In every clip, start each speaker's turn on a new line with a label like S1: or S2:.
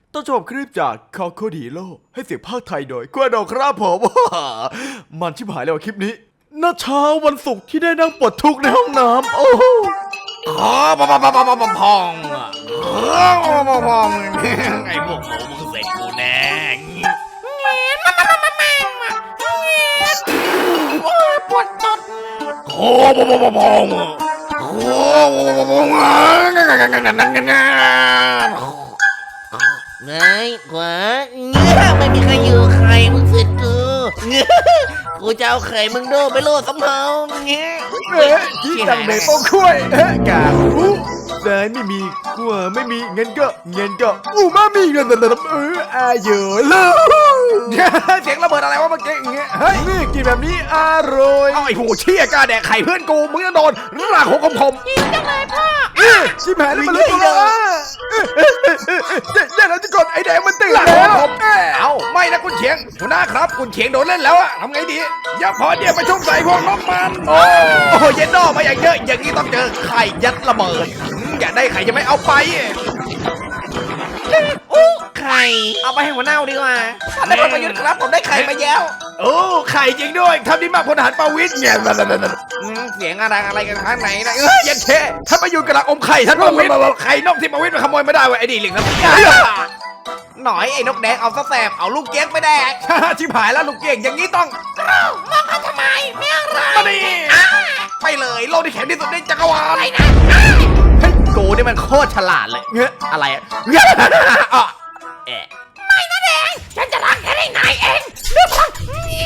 S1: ต้นฉบับคลิปจากคอโคดีโลให้เสียงภาคไทยโดยกวดอกครับผม มันชิบหายแล้วคลิปนี้ณเช้าวันศุกร์ที่ได้นั่งปลดทุกข์ในห้องน้ำโอ้โห
S2: พองพองไอ้พวกหมูมึงเสร็จกูแน่ปวดตดพองพองไงขวาไม่มีใครอยู่ใครมึงเสร็จกูจะเอาไข่มึงโดไปโลดสำเภาเงี้ย
S1: ที่ตังเบโป้งคุ้ยกาอู้ได้ไม่มีกลัวไม่มีเงินก็อู้มามีเงินอาเยอะเลยเสียงระเบิดอะไรวะเมื่อกี้อย่างเงี้ยเฮ้ยนี่กินแบบนี้อร่อยเอาไอ้หูเชี่ยกล้าแดกไข่เพื่อนกูมึงจะโดนรากหัวคมจังเลยพ่อชิบหายแล้วมันรู้ตัวอย่าแล้วจะกดไอ้แดงมันตื่นแล้วเอาไม่นะคุณเฉียงหัวหน้าครับคุณเฉียงโดนเล่นแล้วอะทำไงดีอย่าพอเดี๋ยวไปชุ่มใส่พวกน้ำมันโอ้เย็นดอมาอย่างเยอะอย่างนี้ต้องเจอไข่ยัดระเบิดอยากได้ไข่จะไม่เอาไป
S2: ไข่เอาไปให้หัวหน้าดีกว่าท่านได้ประยุทธ์ครับผมได้ไข่มาแล้ว
S1: โอ้ไข่จริงด้วยทำดีมากพลทหารประวิตรเนี่ย
S2: เสียงอะไรกันข้างไหนนะ
S1: ยันเทท่านประยุทธ์กำลังอมไข่ท่านประวิตรไข่นกที่ประวิตรมันขโมยไม่ได้เว้ยไอ้ดิลิงครับ
S2: หน่อยไอ้นกแดงเอาซะแสบเอาลูกเก๊กไปแดก
S1: ชิบหายแล้วลูกเก่งอย่างนี้ต้อง
S2: มองกันทำไมไม่อะไร
S1: มาดิ
S2: ไปเลยโลกที่แข็งที่สุดในจักรวาลอะไรนะ
S1: เฮ้ยโกนี่มันโคตรฉลาดเลยเงี้ยอะไรอะ
S2: ไม่นะแดงฉันจะล้างแค่ได้นายเองด้วยพลัง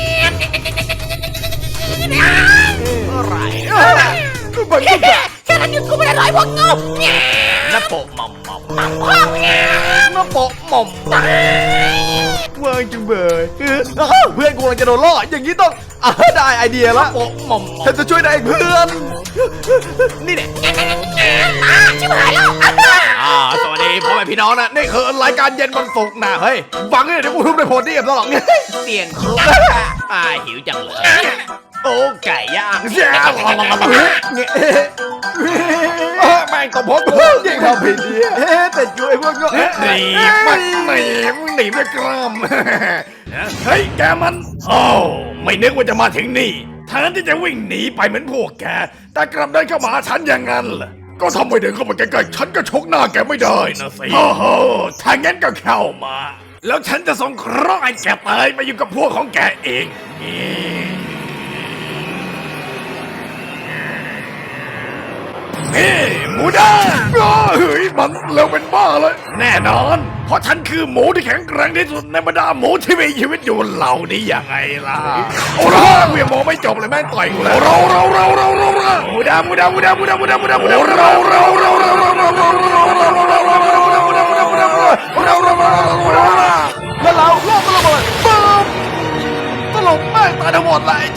S2: อะไร
S1: กูบังคับ
S2: แค่นั้นหยุดกูไม่ได้ร้อยพวกงูน้าโปะหม่อมพ่อ
S1: น้าโปะหม่อมว่างจังเบยเพื่อนกูกำลังจะโดนล่ออย่างนี้ต้องได้ไอเดียละ
S2: โปะหม่อม
S1: ฉันจะช่วยนายเพื่อนนี่เนี่ย
S2: ชิบหายแล้ว
S1: สวัสดีพ่อแม่พี่น้องนะนี่คือรายการเย็นวันศุกร์นะเฮ้ยฟังเนี่ยเดี๋ยวกูทุบในโพดีกับตลอด
S2: เสียงคุกหิวจังเลยโอ้ไก่ย่าง
S1: แม่งตบผมยิ่งทำผิดดีแต่อยู่ไอ้พวกก็หนีไม่กล้ามเฮ้ยแกมันโอ้ไม่นึกว่าจะมาถึงนี่แทนที่จะวิ่งหนีไปเหมือนพวกแกแต่กลับเดินเข้ามาหาฉันอย่างนั้นล่ะก็ทำไมเดินเข้ามาใกล้ๆฉันก็ชกหน้าแกไม่ได้นะสิโอ้โหถ้างั้นก็เข้ามาแล้วฉันจะส่งเคราะห์ให้แกตายมาอยู่กับพวกของแกเองนี่หมูด้าเฮ้ยมันเร็วเป็นบ้าเลยแน่นอนเพราะฉันคือหมูที่แข็งแกร่งที่สุดในบรรดาหมูที่มีชีวิตอยู่เหล่านี้ยังไงล่ะโอ้โหเวียงหมูไม่จบเลยแม่งต่อยกูแล้วเราหมูด้าแล้วเราโลกระเบิดปุ๊บตลบแม่งตายทั้งหมดเลย